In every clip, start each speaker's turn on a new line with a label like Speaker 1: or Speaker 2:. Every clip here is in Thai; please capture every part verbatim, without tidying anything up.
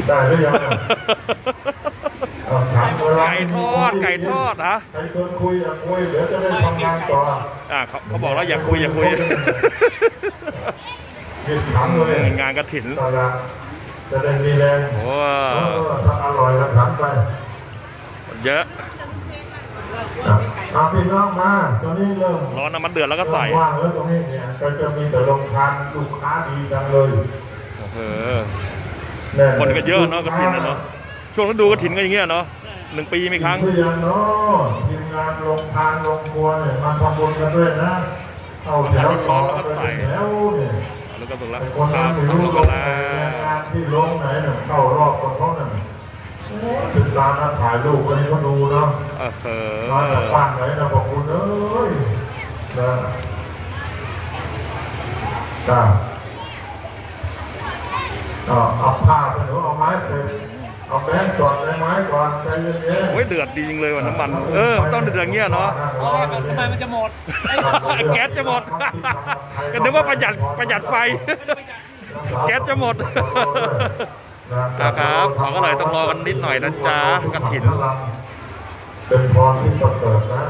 Speaker 1: ได้หรือยัง
Speaker 2: ไก่ทอดไก่ทอดนะ
Speaker 1: ใครชวนคุยอยากคุยเดี๋ยวจะได้ทำงานต่อ
Speaker 2: อ่าเขาเขาบอกแล้วอย่าคุยอย่าคุย
Speaker 1: ผิดขังเลย
Speaker 2: งานกฐิน
Speaker 1: จะได้มีแรง
Speaker 2: โอ้
Speaker 1: ถ้าอร่อยก็ขันไป
Speaker 2: เยอะ
Speaker 1: อาพี่น้องมาตอนนี้เริ่ม
Speaker 2: ร้อนน้ำมันเดือดแล้วก็ใส่
Speaker 1: ว่างแล้วตรงนี้เนี่ยก็จะมีแต่โรงทานลูกค้าดีจังเลย
Speaker 2: เออคนก็เยอะเนาะกฐินเนาะช่วงฤดูกฐินก็อย่างเงี้ยเนาะหนึ่งปีมีครั้ง
Speaker 1: คืออย่างเนาะทีมงานโรงทานโรงครัวเนี่ยมาทำบุญกันด้วยนะเอาแถวต่อไปแล้วเนี่ย
Speaker 2: แล้วก็ตรงละ
Speaker 1: คนนั้นไม่รู้ลงงานที่ลงไหนเนี่ยเข้ารอบกับเขาเนี่ยถึงการนัดถ่ายรูปให้เขาดูเนาะ
Speaker 2: เออ
Speaker 1: มาจากบ้านไหนนะบอกคุณเอ้ยนะจ้าเอาผ้าไปหนูเอาไม้เต็มเอาแบงค์จอดในไม้ก่อนใจเย็นๆ
Speaker 2: โอ้ยเดือดดีจริงเลยว่ะน้ำมันเออต้องเดือดอย่างเงี้ยเนาะ
Speaker 3: ทำไมมันจะหมด
Speaker 2: แก๊สจะหมดก็นึกว่าประหยัดประหยัดไฟแก๊สจะหมดนะครับเขาก็เลยต้องรอกันนิดหน่อยนะจ๊ะกฐิน
Speaker 1: เป็นพรที่ประเสริฐนะ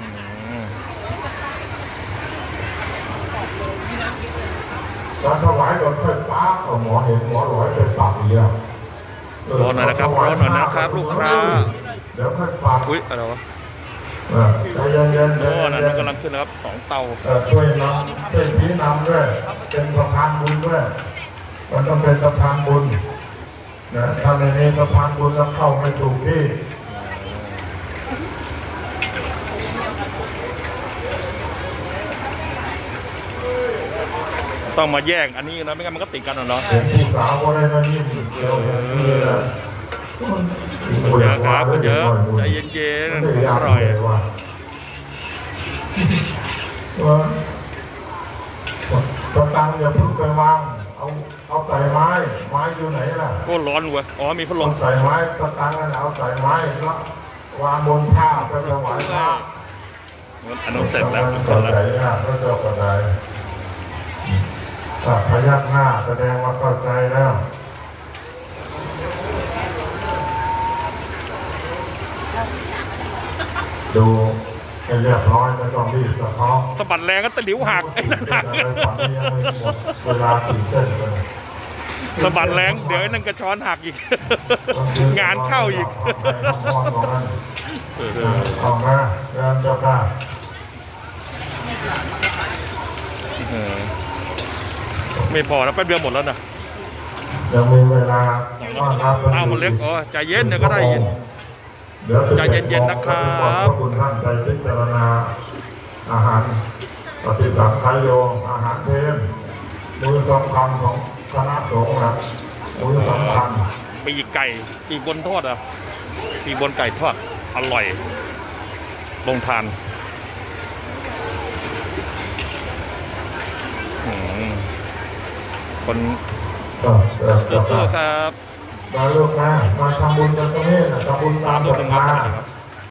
Speaker 1: ตอนถวายก่อนค่อยป้าเอาหมอเห็นหมอหลอยไปปากเดียว
Speaker 2: รอหน่อยนะครับรอหน่อยนะครับลูกค้า
Speaker 1: เดี๋ยวค่อยปาก
Speaker 2: อุ้ยอะไรวะ
Speaker 1: ใจเย็นๆ
Speaker 2: โอ้นั่นกำลังขึ้นนะครับสองเตา
Speaker 1: ช่วยนำช่วยพี่นำด้วยเป็นสะพานบุญด้วยมันต้องเป็นสะพานบุญนะถ้าในนี้สะพานบุญแล้วเข้าไม่ถูกที่
Speaker 2: ต้องมาแยกอันนี้นะไม่งั้นมันก็ติดกันเนาะ
Speaker 1: ผู้สาวอะไรนั่นยิ่งเยอะ
Speaker 2: เยอะครับเยอะใจเย็นๆอร่อย
Speaker 1: ตะตังอย่าพึ่งไปวางเอาเอาใส่ไม้ไม้อยู่ไหนล่ะ
Speaker 2: ก็ร้อนเว้ยอ๋อมีพัดลม
Speaker 1: ใส่ไม้ตะตังนั่นเอาใส่ไม้แล้ววางบนผ้าไปถวายพระ
Speaker 2: อันนั้นเสร็จแล้ว
Speaker 1: เสร็จแล้วก็จะกระไดพยักหน้าแสดงว่าเข้าใจแล้วดูให้เรียบร้อยไม่ต้องรีบกับเขา
Speaker 2: สะบัดแรงก็ตะหลิวหักไอ้นั่นหัก
Speaker 1: เวลาตีเส้นเลย
Speaker 2: สะบัดแรงเดี๋ยวไอ้นั่นกระชอนหักอีกงานเข้าอีก
Speaker 1: ออกมาเริ่มเจ้าข้า
Speaker 2: ไม่พอแล้วแป๊บเดียวหมดแล้วนะ
Speaker 1: ยังมีเวลา
Speaker 2: เอามันเล็กอ๋อใจเย็นเดี๋ยวก็ได้ยินใจเย็นๆนะครับ
Speaker 1: คุณท่านไปพิจารณาอาหารปฏิบัติไทยโยอาหารเพลมือสำคัญของคณะสงฆ์นะมือสำคัญ
Speaker 2: ปีกไก่ปีกบนทอดอ่ะปีกบนไก่ทอดอร่อยลงทานคนสู้ๆครับ
Speaker 1: มาลูกมามาทำบุญกันตรงนี้นะทำบุญตามศรัทธา